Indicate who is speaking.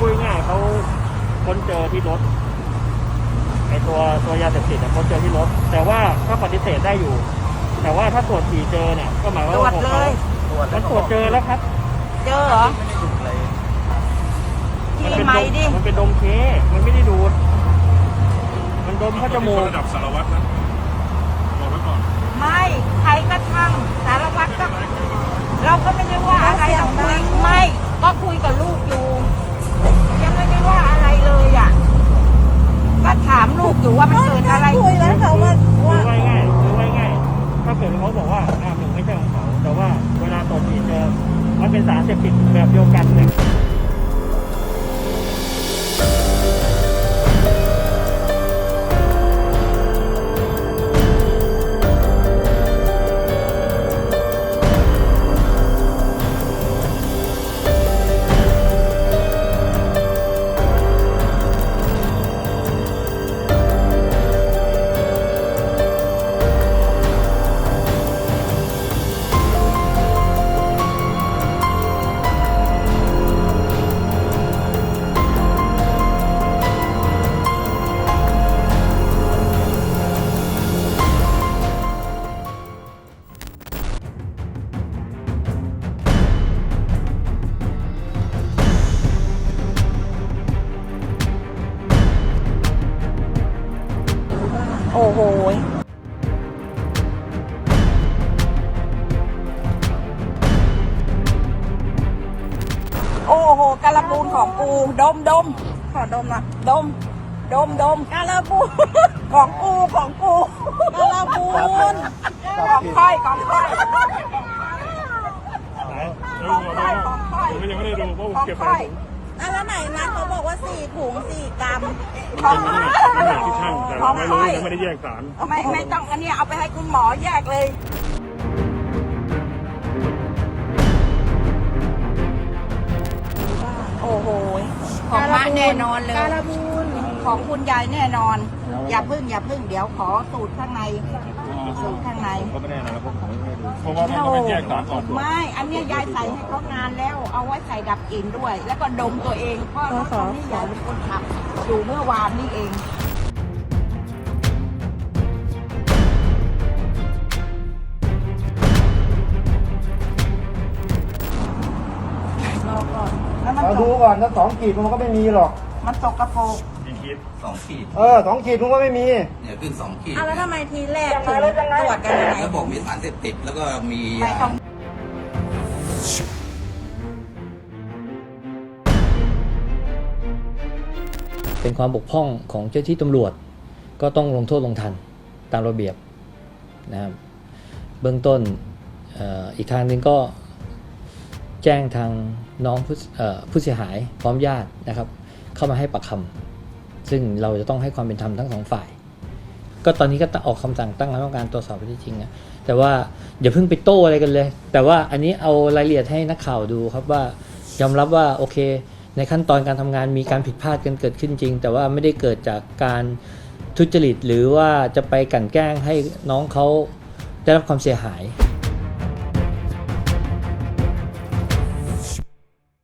Speaker 1: ดง่ายเขาค้นเจอที่รถไอตัวยาเสพติดค้นเจอที่รถแต่ว่าก็ปฏิเสธได้อยู่แต่ว่าถ้าตรวจฉี่เจอเนี่ยก็หมายว่าตรวจเลยมันตรวจเจอแล้วครับ
Speaker 2: เจอเหรอที่ไม่ดิ
Speaker 1: มันเป็นดมเคมันไม่ได้ดูดมันดมเข้าจมูก
Speaker 3: ระดับสารวัตรนะบอกไว้ก่อน
Speaker 2: ไม่ใครก็ช่างสารวัตรก็เราก็ไม่ได้ว่าอะไรเราคุยไม่ก็คุยกับลูกอยู่ยังไม่ได้ว่าอะไรเลยอ่ะก็ถามลูกอยู่ว่ามันเกิดอะไร
Speaker 4: คุยแล้วเขาว่า
Speaker 1: คือไว้ง่ายถ้าเกิดเขาบอกว่าหนึ่งไม่ใช่ของเขาแต่ว่าเวลาตรวจฉี่เจอมันเป็นสารเสพติดแบบเดียวกันเลย
Speaker 2: โอ้โหโอ้โหการบูนของกูดมขอดมนะดมการบูนของกูการบูนของค่อย
Speaker 3: ผมยังไม่ได้ดูเพราะผมเก็บไป
Speaker 4: แล้วไหนนัดเขาบอกว่า4 ถุง 4 กรัม
Speaker 3: เป็นน้ำหนักที่ช่างแต่เราไม่รู้ยังไม่ได้แยกสาร
Speaker 2: ไม่ต้องอันนี้เอาไปให้คุณหมอแยกเลยโอ้โหของมะแน่นอนเลย
Speaker 4: การบูน
Speaker 2: ของคุณยายแน่นอนอย่าพึ่งเดี๋ยวขอสูตรข้างใน
Speaker 3: ก็ไม่แน่นะผมไม่ได้ดูเพราะว่ามันไม่แยกสารออก
Speaker 2: ไม่อันนี้ยายใส่ให้เขางานแล้วเอาไว้ใส่ดับกลิ่นด้วยแล้วก็ดมตัวเองเพราะตอนนี้ยายเป็นคนขับอยู่เมื่อวานนี่เอง
Speaker 5: เราดูก่อนถ้า2 ขีดมันก็ไม่มีหรอก
Speaker 2: มันตกกระโปรง
Speaker 6: 2 ขีด
Speaker 5: 2 ขีดมันก็ไม่มี
Speaker 6: เนี่ยขึ้น2 ขีด
Speaker 4: แล้วทำไมทีแรกถึงตรวจกันยังไง
Speaker 6: แล้วบอกมีสารเสพติดแล้วก็มี
Speaker 7: เป็นความบกพร่องของเจ้าที่ตำรวจก็ต้องลงโทษลงทันตามระเบียบนะครับเบื้องต้นอีกทางหนึ่งก็แจ้งทางน้องผู้เสียหายพร้อมญาตินะครับเข้ามาให้ปากคำซึ่งเราจะต้องให้ความเป็นธรรมทั้ง2 ฝ่ายก็ตอนนี้ก็ออกคำสั่งตั้งคณะกรรมการตรวจสอบข้อเท็จจริงนะแต่ว่าอย่าเพิ่งไปโต้อะไรกันเลยแต่ว่าอันนี้เอารายละเอียดให้นักข่าวดูครับว่ายอมรับว่าโอเคในขั้นตอนการทำงานมีการผิดพลาดกันเกิดขึ้นจริงแต่ว่าไม่ได้เกิดจากการทุจริตหรือว่าจะไปกลั่นแกล้งให้น้องเขาได้รับความเสียหาย